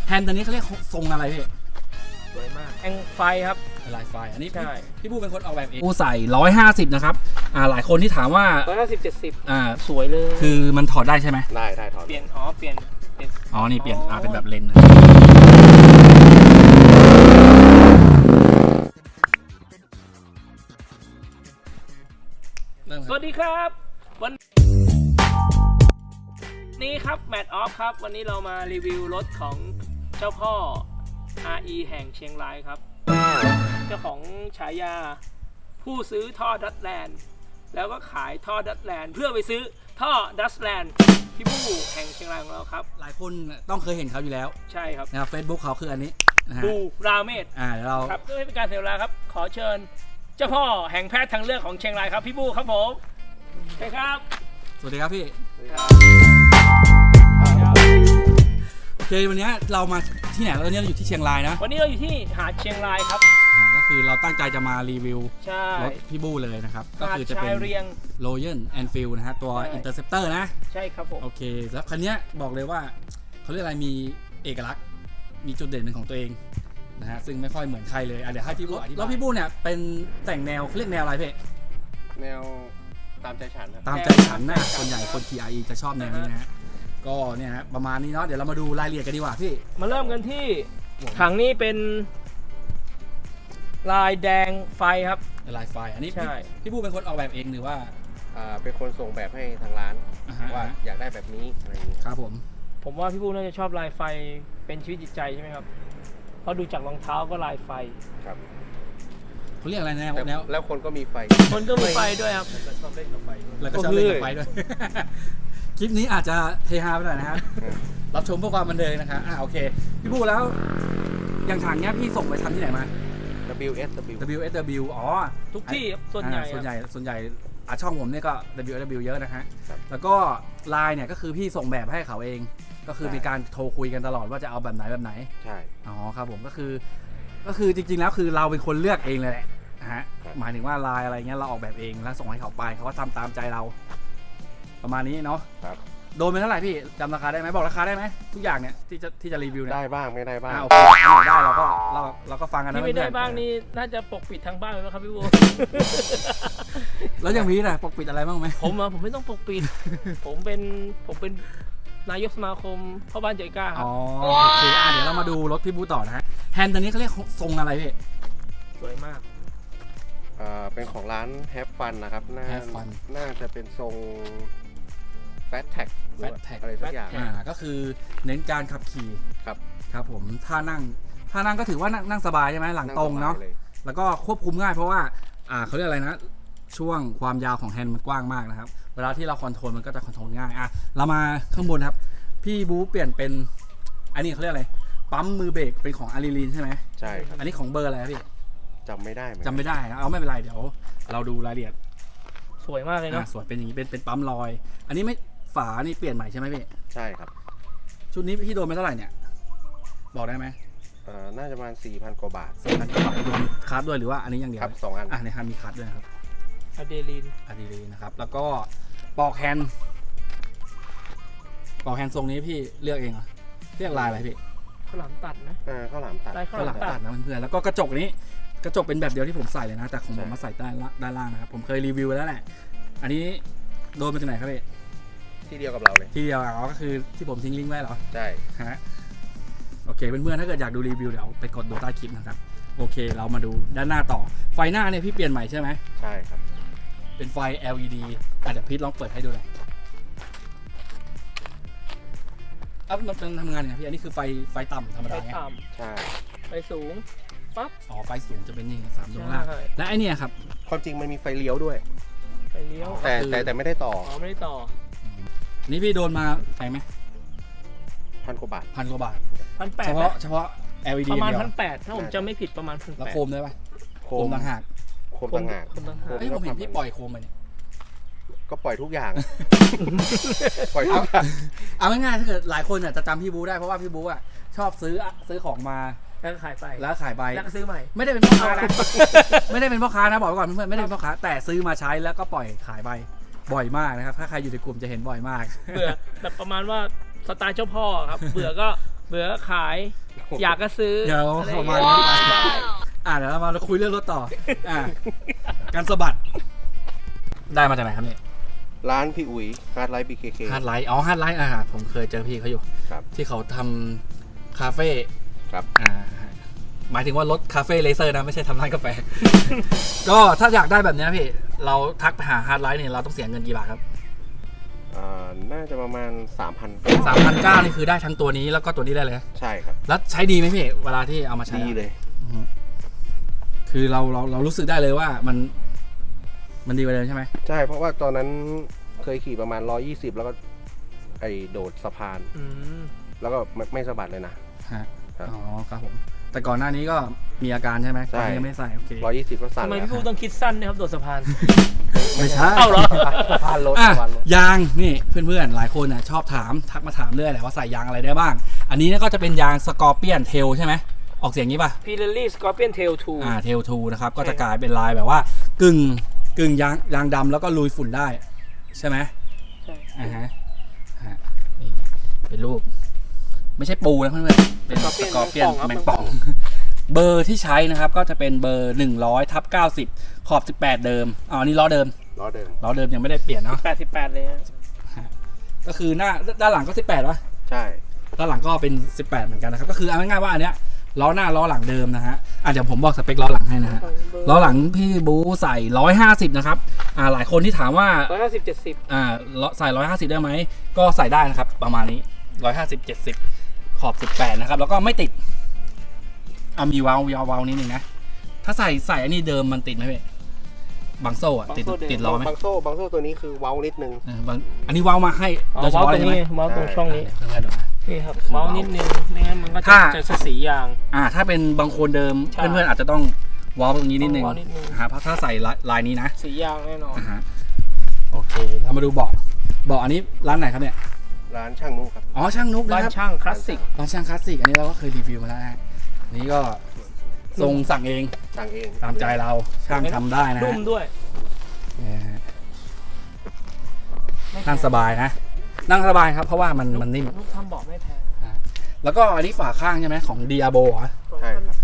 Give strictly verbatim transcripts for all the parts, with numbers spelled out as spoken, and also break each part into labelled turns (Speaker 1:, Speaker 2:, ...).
Speaker 1: แฮนด์ตัวนี้เขาเรียกทรงอะไรพี่
Speaker 2: สวยมากแองไฟครับ
Speaker 1: ลายไฟอันนี้
Speaker 2: ใช่
Speaker 1: พี่บูเป็นคนออกแบบเองบูใส่ร้อยห้าสิบนะครับอ่าหลายคนที่ถามว่า
Speaker 2: ร้อยห้าสิบเจ็ดสิบ
Speaker 1: อ่า
Speaker 2: สวยเลย
Speaker 1: คือมันถอดได้ใช่ไหม
Speaker 3: ได้ได้ถอด
Speaker 2: เปลี่ยนอ๋อเปลี่ยนเป็น
Speaker 1: อ๋อนี่เปลี่ยนอ่าเป็นแบบเลนส์
Speaker 2: สวัสดีครับวันนี้ครับแมทออฟครับวันนี้เรามารีวิวรถของเจ้าพ่อ อาร์ อี แห่งเชียงรายครับเจ้าของฉายาผู้ซื้อท่อดัตแลนด์แล้วก็ขายท่อดัตแลนด์เพื่อไปซื้อท่อดัตแลนด์พี่บู้แห่งเชียงรายของเราครับ
Speaker 1: หลายคนต้องเคยเห็นเขาอยู่แล้ว
Speaker 2: ใช่ครับ
Speaker 1: นะครับเฟซบุ๊กเขาคืออันนี้นะฮะ
Speaker 2: บูราเมศ
Speaker 1: อ่าเดี๋ยวเรา
Speaker 2: ครับเพื่อให้เป็นการเสียเวลาครับขอเชิญเจ้าพ่อแห่งแพทย์ทางเลือกของเชียงรายครับพี่บู้ครับผมใช่ครับ
Speaker 1: สวัสดีครับพี่โอเควันนี้เรามาที่ไหนเราเนี่ยเราอยู่ที่เชียงรายนะ
Speaker 2: วันนี้เราอยู่ที่หาดเชียงรายครับ
Speaker 1: ก็คือเราตั้งใจจะมารีวิวรถพี่บู้เลยนะครับก็คือจะเป็น Royal Enfield นะฮะตัว Interceptor นะ
Speaker 2: ใช่ครับผม
Speaker 1: โอเคแล้วคันนี้บอกเลยว่าเขาเรียกอะไรมีเอกลักษณ์มีจุดเด่นเป็นของตัวเองนะฮะซึ่งไม่ค่อยเหมือนใครเลยอ่ะเดี๋ยวให้พี่บู้แล้วพี่บู้เนี่ยเป็นแต่งแนวเรียกแนวอะไรพี่
Speaker 3: แนวตามใจฉัน
Speaker 1: ตามใจฉันนะส่วนใหญ่คนขี่ อาร์ อี จะชอบแนวนี้นะฮะก็เนี่ยฮะประมาณนี้เนาะเดี๋ยวเรามาดูรายละเอียดกันดีกว่าพี่
Speaker 2: มาเริ่มกันที่ถังนี้เป็นลายแดงไฟครับ
Speaker 1: ลายไฟอันนี้พี่บู้เป็นคนออกแบบเองหรือว่า
Speaker 3: อ่าเป็นคนส่งแบบให้ทางร้านว่าอยากได้แบบนี้อะไรอย่างนี้
Speaker 1: ครับผม
Speaker 2: ผมว่าพี่บู้น่าจะชอบลายไฟเป็นชีวิตจิตใจใช่ไหมครับเพราะดูจากรองเท้าก็ลายไฟ
Speaker 3: ครับ
Speaker 1: เขาเรียกอะไรแนวแนว
Speaker 3: แล้วคนก็มีไฟ
Speaker 2: คนก็มีไฟด้วยครับ
Speaker 3: แล้วก็ชอบเล่นกับไฟ
Speaker 1: แล้วก็ชอบเล่นกับไฟด้วยคลิปนี้อาจจะเฮฮาไปหน่อยนะครับรับชมเพื่อความบันเทิงนะครับอ่าโอเคพี่บู้แล้วอย่างถังเนี้ยพี่ส่งไปทำที่ไหนมา
Speaker 3: ดับเบิลยู เอส ดับเบิลยู
Speaker 1: ดับเบิลยู เอส ดับเบิลยู อ๋อ
Speaker 2: ทุกที่ส่วนใหญ่
Speaker 1: ส่วนใหญ่ส่วนใหญ่อ่ะช่องผมเนี่ยก็ ดับเบิลยู เอส ดับเบิลยู เยอะนะฮะแล้วก็ไลน์เนี่ยก็คือพี่ส่งแบบให้เขาเองก็คือมีการโทรคุยกันตลอดว่าจะเอาแบบไหนแบบไหน
Speaker 3: ใช่
Speaker 1: อ๋อครับผมก็คือก็คือจริงๆแล้วคือเราเป็นคนเลือกเองเลยแหละฮะหมายถึงว่าไลน์อะไรเงี้ยเราออกแบบเองแล้วส่งให้เขาไปเขาก็ทำตามใจเราประมาณนี้เนาะ
Speaker 3: ครับ
Speaker 1: โดนไปเท่าไหร่พี่จำราคาได้ไหมบอกราคาได้ไหมทุกอย่างเนี่ยที่จะที่จะรีวิวเนี่ย
Speaker 3: ได้บ้างไม่ได้บ้าง
Speaker 1: โอเคได้เราก็เราเราก็ฟังกันนะ
Speaker 2: ที่ไม่ได้บ้างนี่น่าจะปกปิดทางบ้านไหมครับพี่บู
Speaker 1: แล้วยังมีนะปกปิดอะไรบ้างไหม
Speaker 2: ผมอะผมไม่ต้องปกปิดผมเป็นผมเป็นนายกสมาคมพ่อบ้านใจกล้าครับ
Speaker 1: อ๋อโอเคอ่ะเดี๋ยวเรามาดูรถพี่บูต่อนะฮะแฮนด์ตัวนี้เขาเรียกทรงอะไรพี่
Speaker 2: สวยมาก
Speaker 3: อ่าเป็นของร้านแฮปฟันนะครับน่าน่าจะเป็นทรงแฟตแท็ก
Speaker 1: แฟตแท็ก
Speaker 3: อะไรสักอย่าง
Speaker 1: อ่าก็คือเน้นการขับขี่
Speaker 3: ครับ
Speaker 1: ครับผมท่านั่งท่านั่งก็ถือว่านั่งสบายใช่ไหมหลังตรงเนาะแล้วก็ควบคุมง่ายเพราะว่าอ่าเขาเรียกอะไรนะช่วงความยาวของแฮนด์มันกว้างมากนะครับเวลาที่เราคอนโทรลมันก็จะคอนโทรลง่ายอ่ะเรามาข้างบนครับพี่บู๊เปลี่ยนเป็นอันนี้เขาเรียกอะไรปั๊มมือเบรกเป็นของอารีลีนใช่ไหม
Speaker 3: ใช่
Speaker 1: อันนี้ของเบอร์อะไรพี่
Speaker 3: จำไม่ได้
Speaker 1: จำไม่ได้นะเอาไม่เป็นไรเดี๋ยวเราดูรายละเอียด
Speaker 2: สวยมากเลยเนาะ
Speaker 1: สวยเป็นอย่างนี้เป็นเป็นปั๊มลอยอันนี้ไม่ฝานี่เปลี่ยนใหม่ใช่ไหมพี่
Speaker 3: ใช่ครับ
Speaker 1: ชุดนี้พี่โดนไปเท่าไหร่เนี่ยบอกได้ไหม
Speaker 3: เอ่อน่าจะประมาณสี่พันกว่าบาท
Speaker 1: สี่พันกว่าบาทโดนคาร์ดด้วยหรือว่าอันนี้อย่างเดียว
Speaker 3: ครับสองอัน
Speaker 1: อ่ะในฮันมีคาร์ดด้วยนะครับ
Speaker 2: อะเดรีน
Speaker 1: อะเดรีนนะครับแล้วก็ปอกแฮนด์ปอกแฮนด์ทรงนี้พี่เลือกเองเหรอเลือกลายอะไรพี่
Speaker 2: ข้าวหลามตัดนะ
Speaker 3: อ่าข้าวหลามตัด
Speaker 2: ข้าวหลามตัด
Speaker 1: นะเพื่อนๆแล้วก็กระจกนี้กระจกเป็นแบบเดียวที่ผมใส่เลยนะแต่ของผมมาใส่ด้านด้านล่างนะครับผมเคยรีวิวแล้วแหละอันนี้โดนมาจากไหนครับพี่
Speaker 3: ที่เดียวกับเราเลย
Speaker 1: ที่เดียวอ๋อก็คือที่ผมทิ้งลิงก์ไว้เหรอ
Speaker 3: ใช่
Speaker 1: ฮะโอเคเพื่อนๆถ้าเกิดอยากดูรีวิวเดี๋ยวไปกดดูใต้คลิปนะครับโอเคเรามาดูด้านหน้าต่อไฟหน้าเนี่ยพี่เปลี่ยนใหม่ใช่ไหม
Speaker 3: ใช่ครับ
Speaker 1: เป็นไฟ แอล อี ดี อ่ะเดี๋ยวพีทลองเปิดให้ดูเลยอ่ะมันทำงานยังไงพี่อันนี้คือไฟไฟต่ำธรรมดาไง
Speaker 3: ใช่
Speaker 2: ไฟสูงปั๊บ
Speaker 1: อ๋อไฟสูงจะเป็นนี่สามดวงล่างและไอเนี่ยครับ
Speaker 3: ความจริงมันมีไฟเลี้ยวด้วย
Speaker 2: ไฟเลี้ยว
Speaker 3: แต่แต่แต่ไม่ได้ต่อ
Speaker 2: อ๋อไม่ได้ต่อ
Speaker 1: นี่พี่โดนมาแพงไหม
Speaker 3: พันกว่าบาท
Speaker 1: พันกว่าบาท
Speaker 2: พันแปด
Speaker 1: เฉพาะเฉพาะ แอล อี ดี
Speaker 2: ประมาณพันแปดถ้าผมจำไม่ผิดประมาณพันแปด
Speaker 1: แล้วโคมได้ปะ
Speaker 3: โค
Speaker 1: มต่างหาก
Speaker 3: โคมต่างหาก
Speaker 1: เฮ้ยผมเห็นพี่ปล่อยโคมไปเนี่ย
Speaker 3: ก็ปล่อยทุกอย่างปล่อยทุกอย่าง
Speaker 1: เอาง่ายๆถ้าเกิดหลายคนจะจำพี่บูได้เพราะว่าพี่บูอ่ะชอบซื้อซื้อของมา
Speaker 2: แล้วขายไป
Speaker 1: แล้วขายไป
Speaker 2: แล้วก็ซื้อใหม่
Speaker 1: ไม่ได้เป็นพ่อค้านะไม่ได้เป็นพ่อค้านะบอกไว้ก่อนเพื่อนๆไม่ได้เป็นพ่อค้าแต่ซื้อมาใช้แล้วก็ปล่อยขายไปบ่อยมากนะครับถ้าใครอยู่ในกลุ่มจะเห็นบ่อยมาก
Speaker 2: เบื่อแบบประมาณว่าสไตล์เจ้าพ่อครับเบื่อก็เบื่อขาย อยากก็ซื้อ
Speaker 1: เดี๋ยว
Speaker 2: อะไร
Speaker 1: ประมาณ
Speaker 2: อย่
Speaker 1: นี้
Speaker 2: งเงี้ยได้
Speaker 1: อ่าเดี๋ยวเรามาคุยเรื่องรถต่ออ่าการสะบัดได้มาจากไหนครับเนี่ย
Speaker 3: ร้านพี่อุ๋ยฮาร์ดไลท์บีเคเค
Speaker 1: ฮาร์ดไลท์อ๋อฮาร์ดไลท์อ่าผมเคยเจอพี่เขาอยู่
Speaker 3: ครับ
Speaker 1: ที่เขาทำคาเฟ่
Speaker 3: ครับ
Speaker 1: อ่าหมายถึงว่ารถคาเฟ่เลเซอร์นะไม่ใช่ทำร้านกาแฟ ก็ถ้าอยากได้แบบเนี้ยพี่เราทักไปหาฮาร์ดไลท์เนี่ยเราต้องเสียเงินกี่บาทครับ
Speaker 3: อ่าน่าจะประมาณ สามพัน
Speaker 1: สามพันเก้านี่คือได้ทั้งตัวนี้แล้วก็ตัวนี้ได้เลย
Speaker 3: ใช่ครับ
Speaker 1: แล้วใช้ดีไหมพี่เวลาที่เอามาใช้
Speaker 3: ดีเลย
Speaker 1: อือฮึคือเราเราเรารู้สึกได้เลยว่ามันมันดีกว่าเดิมใช่ไหม
Speaker 3: ใช่เพราะว่าตอนนั้นเคยขี่ประมาณร้อยยี่สิบแล้วก็ไอโดดสะพาน
Speaker 2: อืม
Speaker 3: แล้วก็ไม่ไม่สะบัดเลยนะ
Speaker 1: ฮะ
Speaker 3: ครับ
Speaker 1: อ๋อครับผมแต่ก่อนหน้านี้ก็มีอาการใช่ไหม
Speaker 3: ใช่
Speaker 1: ตอนนี้ยังไม่ใส่โอเค
Speaker 3: ร้อยยี่สิบก็สั่น
Speaker 2: ทำไม
Speaker 3: แล้ว
Speaker 2: พี่พูดต้องคิดสั้นเนะครับโดดสะพาน
Speaker 1: ไม่ใช่
Speaker 2: เอ้าเหรอ
Speaker 3: สะพานรถ
Speaker 1: อ่ะ
Speaker 3: สะพานรถ
Speaker 1: ยางนี่เพื่อนๆหลายคนน่ะชอบถามทักมาถามเรื่อยแหละว่าใส่ยางอะไรได้บ้าง อันนี้เนี่ยก็จะเป็นยางสกอร์เปียนเทลใช่ไหมออกเสียงงี้ป่ะ
Speaker 2: พีเรลลี่สกอร์เปียนเทลทู
Speaker 1: อ่าเทลทูนะครับก็จะกลายเป็นลายแบบว่ากึ่งกึ่งยางยางดำแล้วก็ลุยฝุ่นได้ใช่ไหม
Speaker 2: ใช่
Speaker 1: อ่าฮะฮะนี่เป็นรูป ไม่ใช่ปูนะเพื่อนๆเป็นสกอร์เปียนแมงป่อง เบอร์ที่ใช้นะครับก็จะเป็นเบอร์หนึ่งร้อยทับเก้าสิบขอบสิบแปดเดิมอ๋อนี่ล้อเดิม
Speaker 3: ล้อเดิม
Speaker 1: ล้อเดิมยังไม่ได้เปลี่ยนเนาะ
Speaker 2: แปดสิบแปดเลยฮะ
Speaker 1: ก็คือหน้าด้านหลังก็สิบแปดวะ
Speaker 3: ใช่
Speaker 1: ด้านหลังก็เป็นสิบแปดเหมือนกันนะครับก็คือเอาง่ายๆว่าอันเนี้ยล้อหน้าล้อหลังเดิมนะฮะอ่ะเดี๋ยวผมบอกสเปคล้อหลังให้นะฮะล้อหลังพี่บูใส่ร้อยห้าสิบนะครับอ่าหลายคนที่ถามว่า
Speaker 2: ร้อยห้าสิบเจ็ดสิบ
Speaker 1: อ่าใส่ร้อยห้าสิบได้ไหมก็ใส่ได้นะครับประมาณนี้ร้อยห้าสิบเจ็ดสิบขอบสิบแปดนะครับแล้วก็ไม่ติดเอามีวาล์วยาววาล์วนิดนึงนะถ้าใส่ใส่อันนี้เดิมมันติดไหมพี่บางโซ่อะติดติดล้อไหม
Speaker 3: บางโซ่บางโซ่ตัวนี้คือเว้านิดนึง
Speaker 1: เออบางอันนี้วาล์วมาให้
Speaker 2: อ๋อ
Speaker 1: โดยเฉ
Speaker 2: เมาส์
Speaker 1: พาะ
Speaker 2: ต
Speaker 1: เล
Speaker 2: ร
Speaker 1: ย
Speaker 2: ง
Speaker 1: ใช่ไหม
Speaker 2: นี้เมาส์ตรงช่องนี้
Speaker 1: เพื่อนๆดูนะ
Speaker 2: นี่ครับเมาส์นิดนึงไม่งั้นมันก็จะ
Speaker 1: ถ้า
Speaker 2: จะสียาง
Speaker 1: อ่าถ้าเป็นบางคนเดิม
Speaker 2: ใช่
Speaker 1: เพื่อนๆอาจจะต้องวอลตรงนี้นิดนึง
Speaker 2: ต้องวอลนิดนึง
Speaker 1: นะฮะเพราะถ้าใส่ลายลายนี้นะ
Speaker 2: สียางแน่นอน
Speaker 1: อ่าฮะโอเคเรามาดูเบาะเบาะอันนี้ร้านไหนครับเนี่ย
Speaker 3: ร้านช่างนุครับ
Speaker 1: อ๋อช่างนุก
Speaker 2: บ้า
Speaker 1: นะ
Speaker 2: น
Speaker 1: ครับ
Speaker 2: ช่างคลาสสิก
Speaker 1: ร้านช่างคลาสสิกอันนี้เราก็เคยรีวิวมาแล้วนะอันนี้ก็ทรงสั่งเอง
Speaker 3: สั่งเอง
Speaker 1: ตามใจเราช่างทำได้นะ
Speaker 2: นุ่
Speaker 1: ฮะ
Speaker 2: มด้วย
Speaker 1: เนี่ยฮะนั่งสบายนะ นั่งสบายครับเพราะว่ามันมันนิ่ม
Speaker 2: นุ่มทำเบาะไม่แพง
Speaker 1: แล้วก็อันนี้ฝาข้างใช่ไหมของ Diabo เหรอ
Speaker 3: ใช่ครับ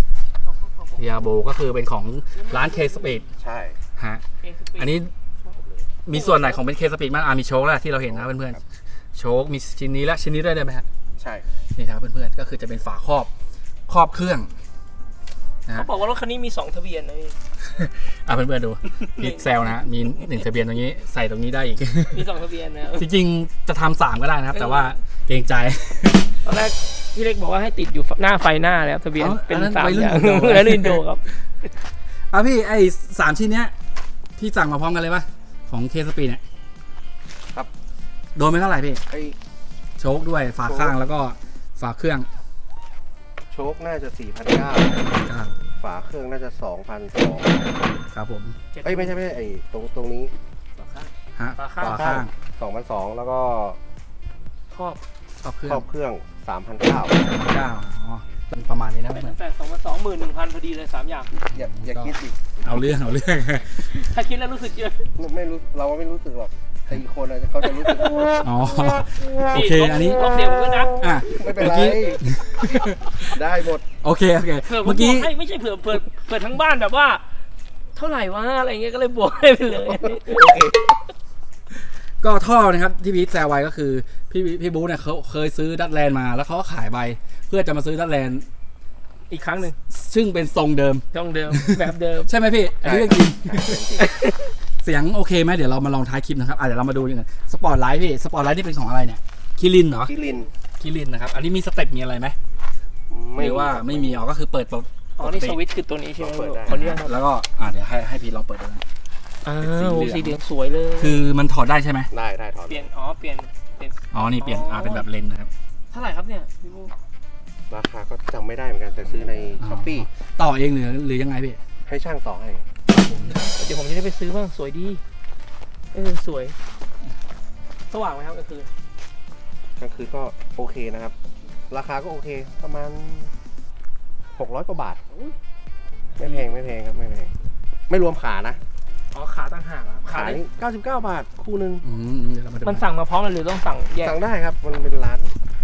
Speaker 1: Diabo ก็คือเป็นของร้าน K Speed
Speaker 3: ใช่
Speaker 1: ฮะอันนี้มีส่วนไหนของเป็น K Speed บ้างอ่ะมีโชคแล้วที่เราเห็นนะเพื่อนๆโชคมีชิ้นนี้และชิ้นนี้ด้วยได้ไหมฮะ
Speaker 3: ใช่
Speaker 1: นี่ครับเพื่อนๆก็คือจะเป็นฝาครอบครอบเครื่องนะ
Speaker 2: เขา
Speaker 1: ฮะ
Speaker 2: บอกว่ารถคันนี้มีสองทะเบียนนะพี่
Speaker 1: อ่ะเพื่อนๆดูพิกเซลนะฮะมีหนึ่งทะเบียนตรงนี้ใส่ตรงนี้ได้อีก
Speaker 2: มีสองทะเบียนนะ
Speaker 1: จริงๆจะทำสามก็ได้นะครับ แต่ว่าเกรงใจ
Speaker 2: ตอนแรกพี่เล็กบอกว่าให้ติดอยู่หน้าไฟหน้าแล้วทะเบียน
Speaker 1: อ๋อ
Speaker 2: เป็น
Speaker 1: อันนั้น
Speaker 2: สาม
Speaker 1: วัยรุ่
Speaker 2: อน ย่าง
Speaker 1: อินโด
Speaker 2: แล้วอินโดครับ
Speaker 1: อ่ะพี่ไอ้สามชิ้นเนี้ยที่สั่งมาพร้อมกันเลยปะของเคสปีเนี่ย
Speaker 3: ครับ
Speaker 1: โดนไปเท่าไหร่พี่
Speaker 3: ไอ
Speaker 1: โชคด้วยฝาข้างแล้วก็ฝาเครื่อง
Speaker 3: โชคน่าจะ สี่พันเก้าร้อย ฝาเครื่องน่าจะ สองพันสองร้อย
Speaker 1: ครับผม
Speaker 3: เอ้ยไม่ใช่ไม่ใช่ไอ้ตรงตรงนี้
Speaker 1: ฮะ
Speaker 2: ฝาข้าง
Speaker 1: ฝาข้าง
Speaker 3: สองพันสองร้อยแล้วก็
Speaker 2: ครอบ
Speaker 1: ครอบเครื่อ
Speaker 3: ครง อบเครื่อง สามพันเก้าร้อย
Speaker 1: เก้าอ๋อประมาณนี้นะ
Speaker 2: เป็น
Speaker 1: เพื่อน
Speaker 2: แปดสองพันสองหมื่นหนึ่งพันพอดีเลยสามอย่าง
Speaker 3: อย่าอย่าคิดอีก
Speaker 1: เอาเรื่องเอาเรื่อง
Speaker 2: ถ้าคิดแล้วรู้สึกเยอะ
Speaker 3: ไม่ไม่รู้เราไม่รู้สึกหรอกแต่อีกคนอะเขาจะรู้สึก
Speaker 1: อ๋อโอเคอันนี้
Speaker 2: ลบเดียวด้วยนะ
Speaker 1: อ่ะ
Speaker 3: ไม่เป็น
Speaker 1: เมื่อ
Speaker 3: ไร
Speaker 1: กี้
Speaker 3: ได้หมด
Speaker 1: โอเคโอเค
Speaker 2: เผื่อผม
Speaker 1: เมื่อกี้
Speaker 2: บวกให้ไม่ใช่เผื่อเผื่อเผื่อทั้งบ้านแบบว่า เท่าไหร่วะอะไรเงี้ยก็เลยบวกให้ไปเลย
Speaker 3: โอเค
Speaker 1: ก็ท่อนะครับที่พีทแซวไว้ก็คือพี่พี่บู๊เนี่ยเขาเคยซื้อดัตแลนด์มาแล้วเขาก็ขายไปเพื่อจะมาซื้อดัตแลนด์
Speaker 2: อีกครั้งหนึ่ง
Speaker 1: ซึ่งเป็นทรงเดิม
Speaker 2: ช่องเดิม แบบเดิม
Speaker 1: ใช่ไหมพี่อันนี้เรื่องจริง
Speaker 3: ใช่เป็นจริง
Speaker 1: เสียงโอเคไหมเดี๋ยวเรามาลองท้ายคลิปนะครับอ่ะเดี๋ยวเรามาดูกันสปอร์ตไลท์พี่สปอร์ตไลท์นี่เป็นของอะไรเนี่ยคิรินเหรอ
Speaker 3: คิริน
Speaker 1: คิรินนะครับอันนี้มีสเต็ปมีอะไรไหมหรือว่าไม่มีอ๋อก็คือเปิดปก
Speaker 2: อ๋อนี่สวิตช์คือตัวนี้ใช่ไหม
Speaker 3: เปิดได้
Speaker 2: คนนี้ครับ
Speaker 1: แล้วก็อ่ะเดี๋ยวให้ให้พี่ลองเปิดดูนะ
Speaker 2: อ้า
Speaker 1: เป็นสี
Speaker 2: ว
Speaker 1: เหลือง
Speaker 2: สีเหลืองสวยเลย
Speaker 1: คือมันถอดได้ใช่ไหม
Speaker 3: ได้ได้ถอด
Speaker 2: เปลี่ยนอ๋อเปลี่ยนเปลี่ยน
Speaker 1: อ๋อนี่เปลี่ยนอ่าเป็นแบบเลนส์นะครับ
Speaker 2: เท่าไหร่ครับเนี่ยพี่บู
Speaker 3: ราคาก็จำไม่ได้เหมือนกันแต่ซื้อใน
Speaker 1: อ๋อ
Speaker 3: ช้อปปี้
Speaker 1: ต่อเองหรือหรือยังไงพี่
Speaker 3: ให้ช่างต่อให้
Speaker 2: เดี๋ยวผมจะได้ไปซื้อบ้างสวยดีเออสวยสว่างไหมครับก็คือ
Speaker 3: กลางคืนก็โอเคนะครับ ราคาก็โอเคประมาณหกร้อยกว่าบาท ไม่แพงไม่แพงครับไม่แพงไม่รวมขานะ
Speaker 2: อ๋อขาต่างหากครับ
Speaker 3: ขานี่เก้าสิบเก้าบาทคู่หนึ่ง
Speaker 1: อืมเดี๋ยวเรามาดู
Speaker 2: มันสั่งมาพร้อมกันหรือต้องสั่งแยก
Speaker 3: สั่งได้ครับมันเป็นร้านพิ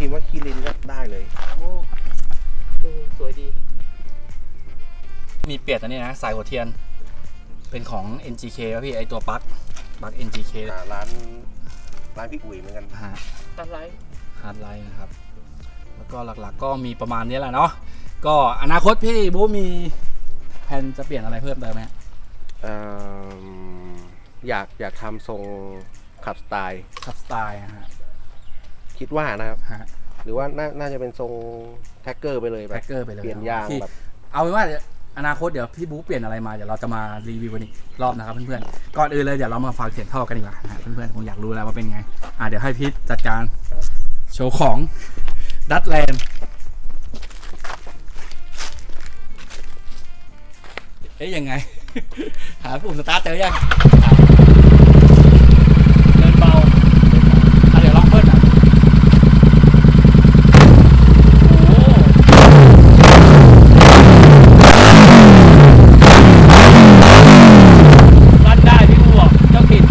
Speaker 3: พิมพ์ว่าคีรินก็ได้เลย
Speaker 2: โอ้เออสวยดี
Speaker 1: มีเปลี่ยนอันนี้นะสายหัวเทียนเป็นของ เอ็น จี เค ครับพี่ไอตัวปลั๊กปลั๊ก เอ็น จี เค
Speaker 3: อ่าร้านร้านพี่อุ๋ยเหมือนกัน
Speaker 1: ฮะ
Speaker 2: อะไร
Speaker 1: ฮาร์ดไลน์นะครับแล้วก็หลักๆก็มีประมาณนี้แหละเนาะก็อนาคตพี่บู๊มีแผนจะเปลี่ยนอะไรเพิ่มเติมไหม
Speaker 3: เอิ่มอยากอยากทำทรงขับสไตล์
Speaker 1: ขับสไตล์นะฮะ
Speaker 3: คิดว่านะครับ
Speaker 1: ฮะ
Speaker 3: หรือว่าน่าน่าจะเป็นทรงแท็กเกอร์ไปเลยแบ
Speaker 1: แท็
Speaker 3: บ
Speaker 1: กเกอร์ไปเลย
Speaker 3: เปลี่ยนยาง
Speaker 1: ที่
Speaker 3: แบบ
Speaker 1: เอาเป็นว่าเดี๋ยวอนาคตเดี๋ยวพี่บู๊เปลี่ยนอะไรมาเดี๋ยวเราจะมารีวิวกันอีกรอบนะครับเพื่อนๆก่อนอื่นเลยเดี๋ยวเรามาฟังเสียงท่อกันดีกว่านะฮะเพื่อนๆคงอยากรู้แล้วว่าเป็นไงอ่ะเดี๋ยวให้พีทจัดการโชว์ของดัตแลนด์เอ๊ยยังไง หาปุ่มสตาร์ทเจอยัง
Speaker 2: เดินเบา
Speaker 1: อ่ะเดี๋ยวลองเพิ่มนะ
Speaker 2: โอ้รันได้พี่บัวเจ้าถิ่น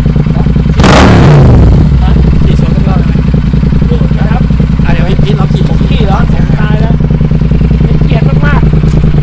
Speaker 2: ฮะ
Speaker 1: ขี่โชว์สักรอบได้ไหม
Speaker 2: ดูนะครับ
Speaker 1: อ่ะเดี๋ยวพี่พีทเราขี่ผม
Speaker 2: ขี่แล้วผมตายแล้วเป็นเกียรติมากๆ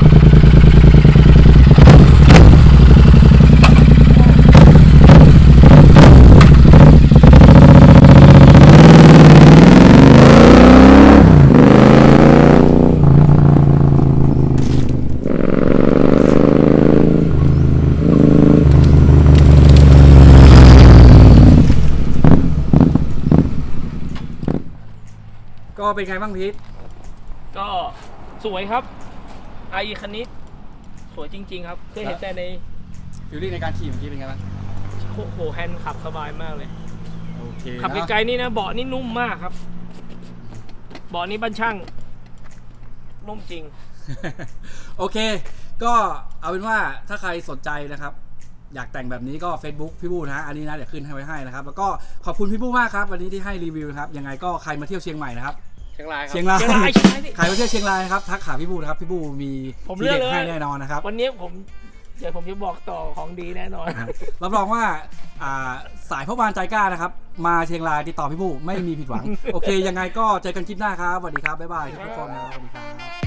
Speaker 1: ก็เป็นไงบ้างพีท
Speaker 2: ก็สวยครับไอคันนี้สวยจริง ๆ ครับเคยเห็นแต่ใน
Speaker 1: ฟิลลิ่งในการขี่เมื่อกี้เป็นไงบ้าง
Speaker 2: โอ้โหแฮนด์ขับสบายมากเลย
Speaker 1: โอเค
Speaker 2: ขับไกลๆนี่นะเบาะนี่นุ่มมากครับเบาะนี่บ้านช่างนุ่มจริง
Speaker 1: โอเค ก็เอาเป็นว่าถ้าใครสนใจนะครับ อยากแต่งแบบนี้ก็ Facebook พี่บู้นะฮะอันนี้นะเดี๋ยวขึ้นให้ไว้ให้นะครับ แล้วก็ขอบคุณพี่บู้มากครับ วันนี้ที่ให้รีวิวนะครับยังไงก็ใครมาเที่ยวเชียงใหม่นะครับ
Speaker 3: เชียงรายครับ
Speaker 1: เชียงราย
Speaker 2: เชียงรายเชียงรายดิ
Speaker 1: ใครมาเที่ยวเชียงรายนะครับทักหาพี่บู้นะครับพี่บู้มี
Speaker 2: ผม
Speaker 1: ที
Speaker 2: เลือก
Speaker 1: เด็ด
Speaker 2: เลย
Speaker 1: ให้แน่นอนนะครับ
Speaker 2: วันนี้ผมเดี๋ยวผมจะบอกต่อของดีแน่นอน
Speaker 1: นะฮะรับรองว่าอ่าสายพ่อบ้านใจกล้านะครับมาเชียงรายติดต่อพี่บู้ไม่มีผิดหวัง โอเค ยังไงก็เจอกันคลิปหน้าครับสวัสดีครับบ๊ายบายทุกคนนะครับสวัสดีครับ